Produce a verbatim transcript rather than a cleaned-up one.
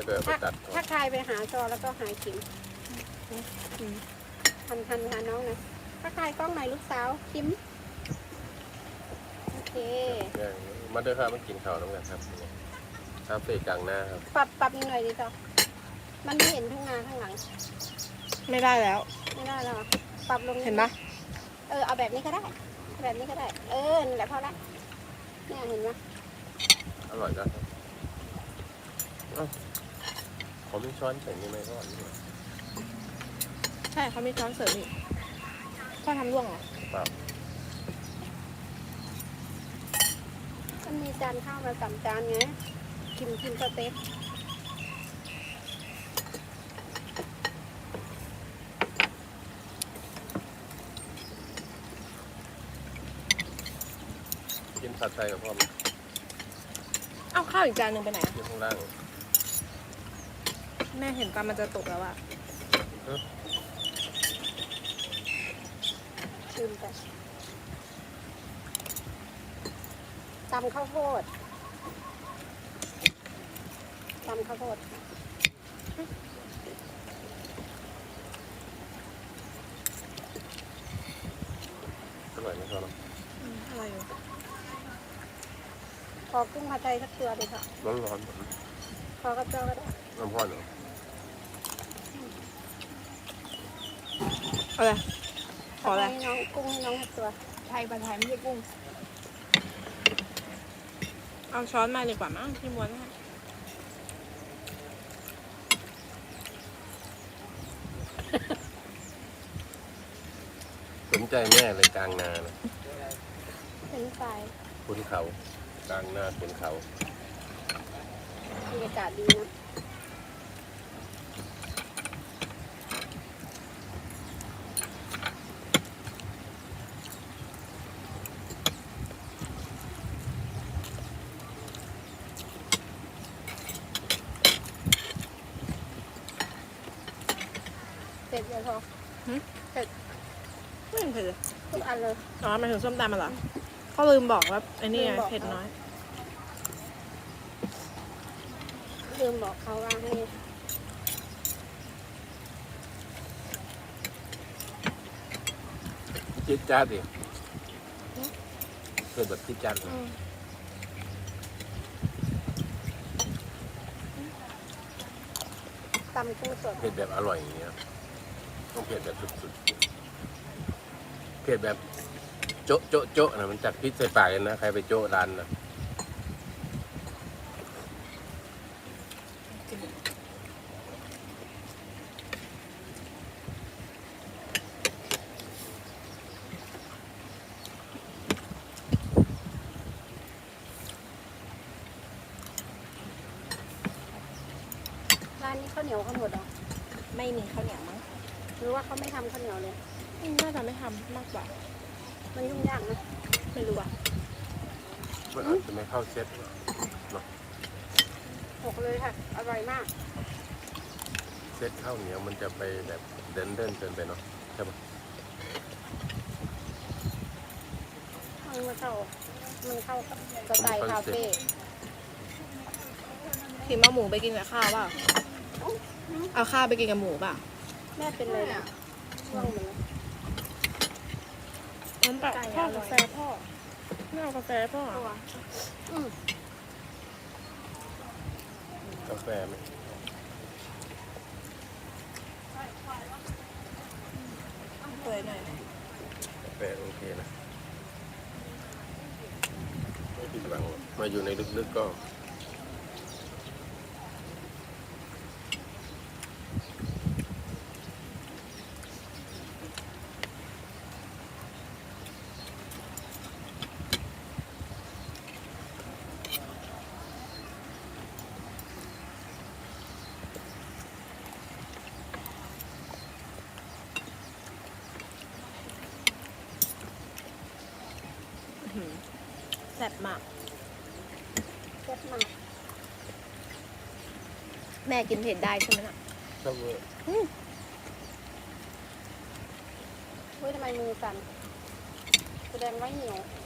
เกิดไปตัดถ้าใครไปหาจอแล้วก็หายคิมทันทันหาน้องนะถ้าใครกล้องไหนลูกสาวคิมโอเคมาเด้อครับมากินข้าวน้ำกันครับคาเฟ่กลางหน้าครับปรับปรับอีกหน่อยดิจอมันไม่เห็นทุ่งนาข้างหลังไม่ได้แล้วไม่ได้แล้วปรับลงเห็นปะเออเอาแบบนี้ก็ได้ แบบนี้ก็ได้ เออนั่นแหละพอละเนี่ยเห็นไหมอร่อยนะครับขอมีช้อนใส่นี่ไหมก็อร่อยใช่เขามีช้อนเสริมอีกพ่อทำร่วงเหรอเปล่ามันมีจานข้าวมาสามจานไงคิมคิมสเต็กกินผัดไทยกับพ่อมเอาข้าวอีกจานหนึ่งไปไหนอะอยู่ข้างล่างแม่เห็นปลามันจะตกแล้วอะชิมไปตำข้าวโพดตำข้าวโพดอร่อยไหมครับน้องอืมอะไรอยู่ขอกุ้งผัดไทยสักตัวเลยค่ะร้อนร้อนขอกระเจ้าก็ได้น้ำพ่อเหรออะไรขออะไรให้น้องกุ้งให้น้องสักตัวไทยปลาไทยไม่ใช่กุ้ง เอาช้อนมาดีกว่ามั้งที่ม้วนให้สนใจแม่เลยกลางนานะเป็นไฟขุนเขากลางนาขุนเขาบรรยากาศดีนะเสร็จแล้วพอไม่เห็นเผ็ดเลยทุกอันเลยอ๋อหมายถึงส้มตำมาเหรอเขาลืมบอกว่าไอ้นี่ไงลืมบอกเผ็ดน้อยลืมบอกเขาว่าให้จิ๊ดจ้าดดิเกิดแบบจิ๊ดจ้าดเลยตำกุ้งสดเผ็ดแบบอร่อยอย่างเงี้ยต้องเผ็ดแบบสุดๆเผ็ดแบบโจ๊ะโจ๊ะโจ๊ะนะมันจัดพริษใส่ปากกันนะใครไปโจ๊ะร้านนะร้านนี้ข้าวเหนียวเขาหมดเหรอไม่มีข้าวเหนียวมั้งหรือว่าเขาไม่ทำข้าวเหนียวเลยอืมน่าจะไม่ทำมากกว่ามันยุ่งยากนะไม่รู้อะมันอาจจะไม่เข้าเซ็ตหกเลยค่ะ อร่อยมากเซ็ตข้าวเหนียวมันจะไปแบบเดินเดินเกินไปเนาะใช่ปะมันมาเข้า มันเข้ากับสไตล์คาเฟ่พิมพ์เอาหมูไปกินกับข้าวเปล่าเอาข้าวไปกินกับหมูเปล่าแม่เป็นเลยนะช่วงเหมือนน้ำเปล่าพ่อกาแฟพ่อไม่เอากาแฟพ่อตัวอืมกาแฟไหมเปื่อยหน่อยกาแฟโอเคนะไม่ผิดหวังหรอกมาอยู่ในลึกๆก็แซ่บมากเจ็บมากแม่กินเผ็ดได้ใช่ไหมน่ะชอบเวอร์เฮ้ยทำไมมือสั่นแสดงว่าเหนียว